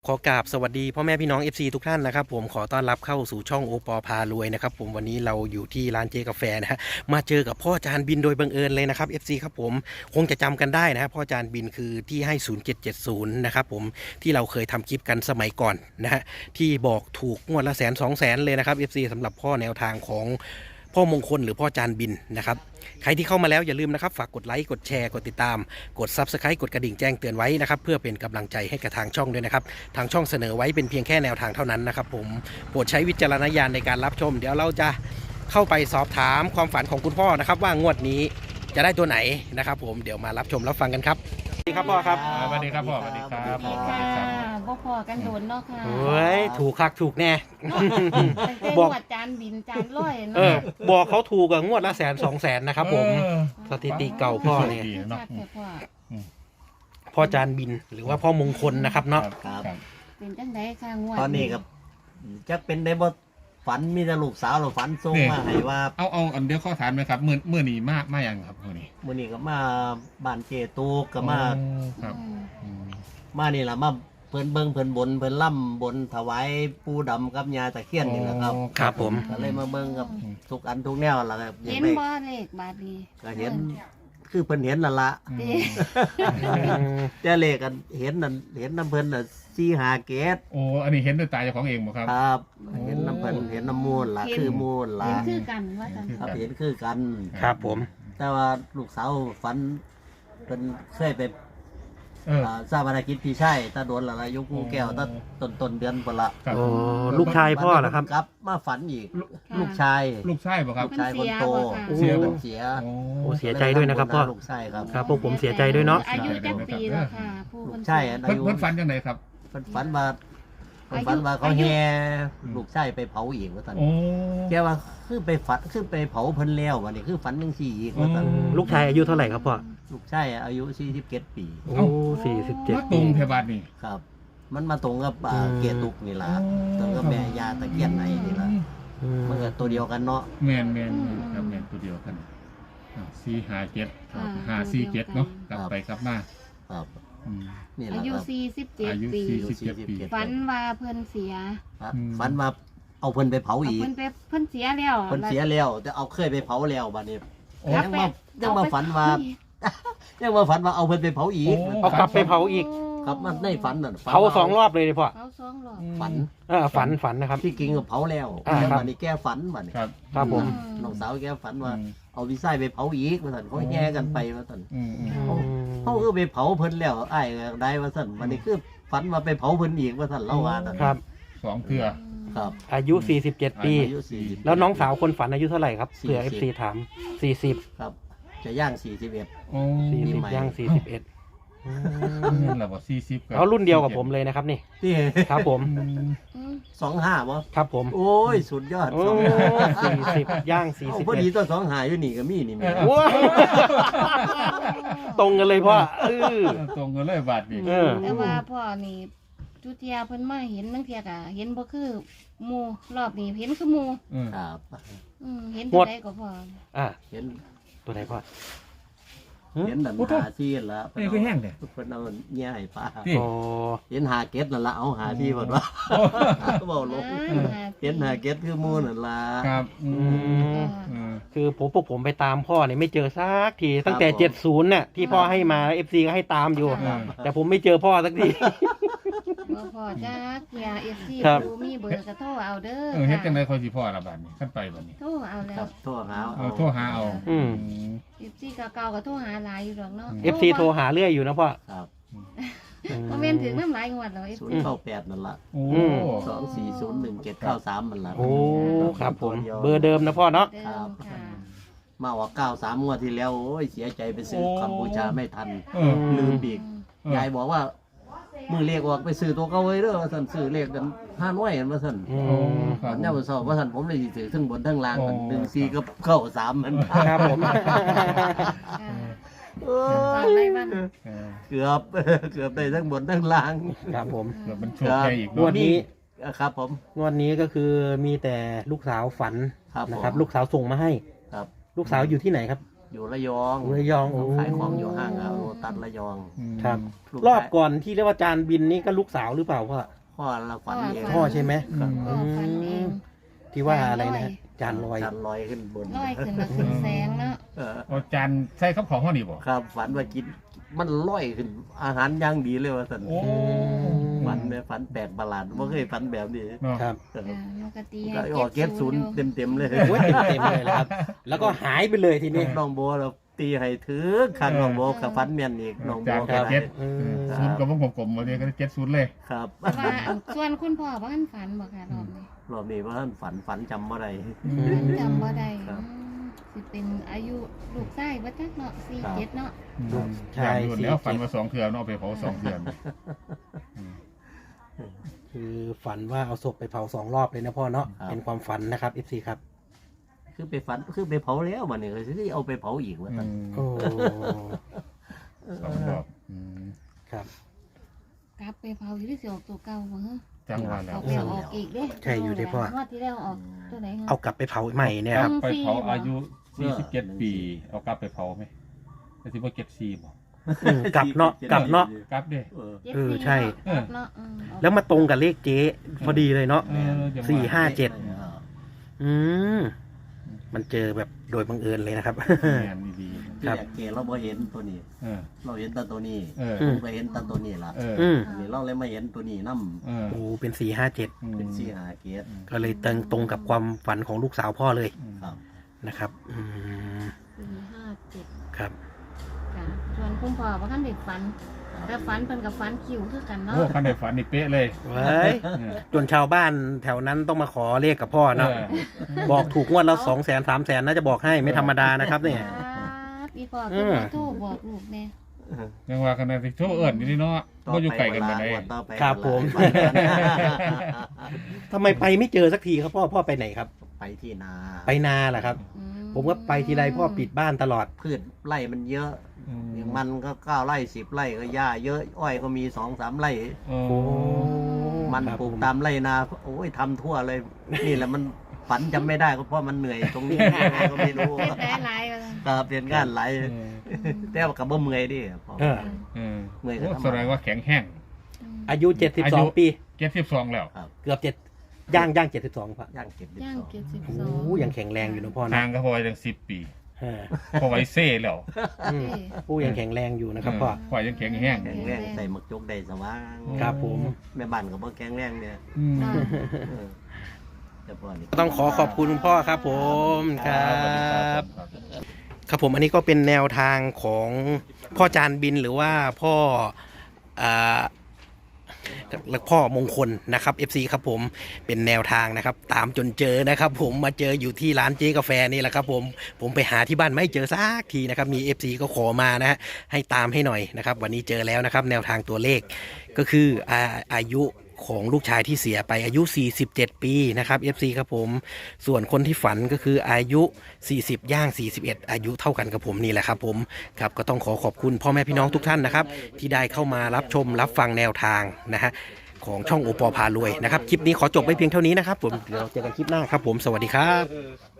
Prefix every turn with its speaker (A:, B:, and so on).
A: ขอกราบสวัสดีพ่อแม่พี่น้อง FC ทุกท่านนะครับผมขอต้อนรับเข้าสู่ช่องโอปอพารวยนะครับผมวันนี้เราอยู่ที่ร้านเจกาแฟนะฮะมาเจอกับพ่อจานบินโดยบังเอิญเลยนะครับ FC ครับผมคงจะจำกันได้นะฮะพ่อจานบินคือที่ให้0770นะครับผมที่เราเคยทำคลิปกันสมัยก่อนนะฮะที่บอกถูกงวดละ100,000-200,000เลยนะครับ FC สำหรับพ่อแนวทางของพ่อมงคลหรือพ่อจานบินนะครับใครที่เข้ามาแล้วอย่าลืมนะครับฝากกดไลค์กดแชร์กดติดตามกด Subscribe กดกระดิ่งแจ้งเตือนไว้นะครับเพื่อเป็นกำลังใจให้กับทางช่องด้วยนะครับทางช่องเสนอไว้เป็นเพียงแค่แนวทางเท่านั้นนะครับผมโปรดใช้วิจารณญาณในการรับชมเดี๋ยวเราจะเข้าไปสอบถามความฝันของคุณพ่อนะครับว่างวดนี้จะได้ตัวไหนนะครับผมเดี๋ยวมารับชมรับฟังกันครับสวัสดีครับพ่อครับ
B: สวัสดีครับพ่อสวัสดีครับ
C: สวัสดีค่ะบ่พอกันโดนเนาะค่ะ
A: เฮ้ยถูกคักถูกแน่
C: ตั้งแต่
A: บอก
C: งวดจานบินจานร้อย
A: เออ
C: เนาะ
A: บอกเขาถูกกับงวดละ100,000-200,000นะครับผมสถิติเก่าพ่อเนี่ย
C: ชัดแต่พ่อ
A: พ่อจานบินหรือว่าพ่อมงคลนะครับเนาะ
B: ครับ
C: เป็นจังไดค่ะงวด
D: ตอนนี้กับจะเป็นได้บ่ฝันมีแต่ลูกสาวเราฝันส่งมาให้ว่า
B: เอาอันเดียวข้อถามไหมครับเมื่อนี้มาอย่างครับเมื่อนี้
D: มื้อนี้ก็มาบ้านเจตูกก็มา
B: ครับ
C: อืม
D: มานี่ล่ะมาเพิ่นเบิ่งเพิ่นบนเพิ่นล่ำบนถวายปู่ดำกับยาตะเคียนนี่แหละครับ
A: ครับผม
D: ก็เลยมาเบิ่งกับทุกอันทุกแนวล่ะครับอยา
C: เห็
D: ก
C: น
D: ได้
C: บ่เลขบาดนี้
D: ก็เห็นคือเพิ่นเห็นนั่นล่ะ
C: เด้
D: แต่เลขกันเห็นนั่นเห็นน้ำเพิ่นน่ะ4-5เกต
B: โอ้อันนี้เห็นด้วยตาเจ้าของเองบ่ครับ
D: ครับ เห็นน้ำเพิ่นเห็นน้ำมูลล่ะคือมูลล่ะ
C: เห็นคือกันว่าจัง
D: ครับเห็นคือกัน
A: ครับผม
D: แต่ว่าลูกสาวฝันเป็นเคยไป ทราบภารกิจพี่ชายตาโดนละละยุคงูแก้วตาต้นเดือนปละ
B: ครับ
A: โอ้ลูกชายพ่อเหรอครับ
D: กลับมาฝันอีก ลูกชาย
B: ลูกชายบ่ครับ
D: ลูกชายคนโต
B: เสียบ่
D: เสีย
B: โอ้
A: โอ้เสียใจด้วยนะครับพ่อ
D: ลูกชายครับ
A: ครับพวกผมเสียใจด้วยเนาะ
C: อายุจักปีแล้วค่ะผู้
D: ลู
C: ค
D: ก
C: น
D: ชายอา
B: เพิ่น
D: ยุ
B: เพิ่นฝันจังไดครับ
D: เพิ่นฝันว่าเพิ่นฝันว่าเขาแห่ลูกชายไปเผาอีกว่าซั่น
B: โอ้
D: แกว่าคือไปฝันคือไปเผาเพิ่นแล้ววันนี้คือฝันจังซี่อีกว่าซั่น
A: ลูกชายอายุเท่าไหร่ครับพ่อ
D: ลูกชายอายุ47ปี
A: โอ้47
B: มาตรงเทบาทนี่
D: ครับ มันมาตรงกับเกียรตุกนี่ล่ะตรงกับแม่ยาตะเกียนไหนนี่ล่ะ
A: อืม
D: มันก็ตัวเดียวกันเนาะ
B: แม่นครับแม่นตัวเดียวกัน457 547เนาะกลับไปกลับมา
D: ครับ
B: อืม
D: นี่แห
C: อา
D: ละ
C: ยุ
D: ครับ
B: อายุ
C: 47ปี
B: 47ปี
C: ฝันว่าเพิ่นเสีย
D: ฝันว่าเอาเพิ่นไปเผา
C: เอา
D: อีก
C: เพิ่นไปเพิ่นเสียแล้ว
D: เพิ่นเสียแล้วแต่เอาเคยไปเผาแล้วบัดนี้
B: โอ้
C: ครับ
D: ยังมาฝันว่ายังมาฝันว่าเอาเพิ่นไปเผาอีก
A: เอากลับไปเผาอีก
D: ครับมันในฝันน่ะฝัน
A: เผา2 รอบเลยดิพ่อ
C: เผาสองรอบ
D: ฝัน
A: ฝันนะครับ
D: ที่กิงก็เผาแล้ว
A: ครับ
D: บัดนี้แกฝันบัดนี้
B: ครับ
A: ครับผม
D: น้องสาวแกฝันว่าเอาวิสัยไปเผาอีกว่าซั่นเขาแย่กันไปว่าซั่น
B: อืม
D: เขาคือไปเผาเพิ่นแล้วอ้ายก็ได้ว่าซั่นบัดนี้คือฝันว่าไปเผาเพิ่นอีกว่าซั่นเล่าว่านั่น
A: ครับ
B: 2เทื่อ
D: ครับ
A: อายุ47 ปี
D: อายุ40
A: แล้วน้องสาวคนฝันอายุเท่าไหร่ครับเผื่อ FC ถาม40
D: ครับ จะย่าง41
B: โอ้
A: 40ย่าง41อืม
B: นั่นแหละว่า40กับ
A: แล้วรุ่นเดียวกับผมเลยนะครับนี่
D: ที่
A: ครับผม
C: อืม
D: 25บ่
A: ครับผม
D: โอ้ยสุดยอด
A: โอ้ 40ย่าง
D: เอาพอดี
A: 41
D: ตัว25อยู่นี่ก็มีนี่แม่
A: ว้าวตรงกันเลยพ่อ
B: ตรงกันเลยบาทนี่
A: เออ
C: แต่ว่าพ่อนี่จุเทียเพิ่นมาเห็นตั้งเทียกะเห็นบ่คือหมู่รอบนี้เห็นคือหมู่
D: ครับ
C: เห็นตัวใดก็พอ
A: อ่ะ
D: เห็น
A: ตัวไหนพ่อ
D: เห็นดันหาซีนละ
B: นี่คือแห้งเด้
D: เพิ่นเอาแย่ให้ป้า
B: นี่
A: โอ้
D: เห็นหาเก็ดนั่นละเอาหาที่เพิ่นว่าเว้าลงเห็นหาเก็ดคือหมู่นั่นล่ะ
B: ครับอื
A: อื
B: ม
A: มคือพวกผมไปตามพ่อเนี่ยไม่เจอสักทีตั้งแต่
D: ครับผม
A: 70น่ะที่พ่อให้มา FC ก็ให้ตามอยู่ แต่ผมไม่เจอพ่อสักที
C: บ่พอจ้าเทีย FC
A: ครับ
C: ดูมีเบอร์ก็โทรเอาเด้อ
B: เฮ็ดจังได๋ค่อยสิพ่อละบาดนี้ขั้นไปบัดนี้
C: โทรเอาแล้
D: ครั
C: ว
D: บโทรหา
B: โทรหาเอา
A: อืม
C: FC เก่าๆก็โทรหาหลายอยู่ดอกเนาะ
A: FC โทรหาเรื่อยอยู่นะพ่อ
D: ครับ
C: บ่แม่นถึงน้ำหลายงวดแล้ว FC
D: 098นั่นล่ะ
B: โอ้
D: 2401793มันล่ะ
A: โอ้ครับผม เบอร์เดิมนะพ่อเนาะ
C: เดิ
D: ครับ
C: มค่ะ
D: มาว่า93งวดที่แล้วโอ้ยเสียใจไปซื้อกัมพูชาไม่ทัน
B: เออ
D: ลืมอีกยายบอกว่ามือเลขออกไปซื้อตัวเก่าไว้เด้อว่าซั่นซื้อเลขกัน5น้อยกันว่าซั่น
A: อื
B: โอ้
A: ม
B: ครับ
D: วันนี้วันเสาร์ว่าท่านผมเลยสิถือทั้งบนทั้งล่างกัน
B: โอ้
D: 1 4กับเข้า3มัน
A: ครับผม
D: เอ้ย
C: อะไรบ้าง
D: เกือบ เกือบได้ทั้งบนทั้งล่าง
A: ครับผม
B: เดี๋ยวมันโชคใหญ่อีก
A: งวดนี้
D: ครับผม
A: งวดนี้ก็คือมีแต่ลูกสาวฝัน
D: ครับ
A: นะครับ
D: ผม
A: ลูกสาวส่งมาให้
D: ครับ
A: ลูกสาวอยู่ที่ไหนครับ
D: อยู่ระยอง
A: ระยองโอ้
D: ขายของอยู่ห้างโลตัสระยอง
A: ครับ
D: ลูก
A: รอบก่อนที่เรียกว่าจานบินนี่ก็ลูกสาวหรือเปล่าพ่อ
D: พ่อละฝันเอง
A: พ่อใช่ไหม
D: ครับ
C: พ่อฝันเอง
A: ที่ว่าอะไรนะจานลอย
D: จานลอยขึ้นบน
C: ลอยขึ้นมาขึ้นแสงเนาะ
B: เอาจานใส่ข้าวของห้อนี่บ่
D: ครับฝันว่ากินมันลอยขึ้นอาหารย่างดีเลยว่าสัน
B: โอ้
D: ฝันเนี่ยฝันแปลกประหลาดไม่เคยฝันแบบนี้
B: เนาะ
A: ครับ
D: เออ
C: จ้ะนกกระตี
D: ก็ออกเก็ตศูนย์เต็มๆเลย
A: โอ้ยเต็มเลยนะครับ แล้วก็หายไปเลยทีนี้
D: น้องโบเราตีให้ถือข้างน้องโบกับฟันเมียนอีกน้องโบ
B: จาน
D: ก็
B: กับ
D: ได้
B: เจ็ด
A: อืม
B: ศูนย์กับวงกลมๆมาเนี่ยก็เจ็ดศูนย์เลย
D: ครับ
C: แต่ว่าส่วนคุณพ่อบ้านฝันบ่ค่ะรอบนี้
D: รอบนี้ว่าท่านฝันจำว่าไร
C: จำบ่ได้
D: ครับ
C: สิเป็นอายุลูกชายบ่จักเนาะ47เนาะ
A: ใช่
B: อย่างนู้นแล้วฝันมา2 เทื่อเนาะเอาไปเผา2 เทื่อ
A: คือฝันว่าเอาศพไปเผา2 รอบเลยนะพ่อเนาะ
D: ครับ
A: เป็นความฝันนะครับ FC ครับ
D: คือไปฝันคือไปเผาแล้วมันนี่ก็สิเอาไปเผาอีกว่าท่าน
A: โอ้
B: 2 รอบ
A: ครับ
C: กลับไปเผาอยู่ที่สิออกตัวเก่าบ่ฮะ
B: จังหวะแล้
C: อ
B: ว
C: อกแล้วออกอีกเด้
A: ใช่อยู่ที่พ่อ
C: งวดที่แล้วออกตัวไหนฮะ
A: เอากลับไปเผาใหม่เนี่ยครับ
B: ไปเผาอายุ47 ปี เอากลับไปเผาไหมแต่ที่ว่า74บ่
A: กลับเนาะกลับเนาะ
B: กลับเด้
D: เออ
C: 74
A: เออใช่
C: กลับเนาะออก
A: แล้วมาตรงกับเลขเจ๊พอดีเลยเนาะ
B: จังวะ
A: 4 5 7 อืมมันเจอแบบโดยบังเอิญเลยนะครับ
B: แม่นดี
D: ที่แรกเกเราบ่เห็นตัวนี้
B: ๆเออ
D: เราเห็นแต่ตัวนี้
B: เออ
D: ผมก็เห็นแต่ตัวนี้ล่ะ
B: เออ
A: อืม
D: อันนี้เราเลยมาเห็นตัวนี้นํ
B: เออ
A: โอ้เป็น4 5 7
D: เป็นสี่หาเกต
A: ก็เลยตรงกับความฝันของลูกสาวพ่อเลย
D: ครับ
A: นะครับ อืม
C: 457
A: ครับ
C: จ้ะส่วนคุณพ่อบ่ทันได้ฝันแต่ฝันเพิ่นกับฝันคิวคือกันเนาะ
B: โอ้คันได้ฝันนี่เป๊ะเลย
A: ไว้ย
B: เออ
A: จนชาวบ้านแถวนั้นต้องมาขอเลขกับพ่อเนาะ
B: เออ
A: บอกถูกงวดแล้ว200,000 300,000น่าจะบอกให้ไม่ธรรมดานะครับเนี่ย
C: ครับอีพ่อคือมาโทรบอกลูกแน่
B: ยังว่ากันนะที่โชว์เอิญอยู่นี่เนาะก็อยู่ไกลกันไปไหน
D: ต่อไป
A: ครับผม ทำไมไปไม่เจอสักทีครับพ่อไปไหนครับ
D: ไปที่นา
A: ไปนาเหรอครับ ผมก็ไปทีไรพ่อปิดบ้านตลอด
D: พืชไร่มันเยอะ
B: อืม
D: อย่างมันก็9 ไร่ 10 ไร่ก็หญ้าเยอะอ้อยก็มี 2-3 ไร่
B: โอ้
A: โอ้
D: มัน
A: ครับ
D: ปลูก
A: ผม
D: ตามไร่นาโอ้ยทำทั่วเลย นี่แหละมันฝันจำไม่ได้ก็เพราะมันเหนื่อยตรงนี้ยังไงก็ไม่รู้
C: เฮ็ดได้หลายว่าซั่น
D: ครับเรียนงานหลาย
B: เออ
D: แต่ว่ากับบ่เมื่อยดิพอ
A: เออ
B: เออ
D: เมื่อยก็
B: โอ้
D: ทำ
B: แสดงว่าแข็งแห้ง
A: อายุ
B: อายุ
A: 72 ปี
B: 72แล้ว
A: เกือบ7ย่าง72พ่อ
D: ย่างเก็บ
C: ย่าง
A: โอ้
C: 72
A: ยังแข็งแรงอยู่นะพ่อนะ
B: ทางก็พอยัง10 ปี
A: เออ
B: พอไว้เซ่แล้ว
A: อืมผู้ยังแข็งแรงอยู่นะครับพ่อ
B: พอยังแข็งแห้ง
D: แข็งแรงใส่หมวกจกได้สว่าง
A: ครับผม
D: แม่บ้านก็บ่แข็งแรงเนี่ย
B: อืม
D: เออแต่พอนี่
A: ต้องขอขอบคุณคุณพ่อครับผมครับ ครับผมอันนี้ก็เป็นแนวทางของพ่อจานบินหรือว่าพ่ออ่าพ่อมงคลนะครับ FC ครับผมเป็นแนวทางนะครับ ตามจนเจอนะครับ ผมมาเจออยู่ที่ร้านเจ๊กาแฟนี่แหละครับผมไปหาที่บ้านไม่เจอสักทีนะครับมี FC ก็ขอมานะฮะให้ตามให้หน่อยนะครับ วันนี้เจอแล้วนะครับ แนวทางตัวเลขก็คืออายุของลูกชายที่เสียไปอายุ47 ปีนะครับ FC ครับผมส่วนคนที่ฝันก็คืออายุ40ย่าง41อายุเท่ากันกับผมนี่แหละครับผมครับก็ต้องขอบคุณพ่อแม่พี่น้องทุกท่านนะครับที่ได้เข้ามารับชมรับฟังแนวทางนะฮะของช่องโอปอพารวยนะครับคลิปนี้ขอจบไว้เพียงเท่านี้นะครับผมเดี๋ยวเราเจอกันคลิปหน้าครับผมสวัสดีครับ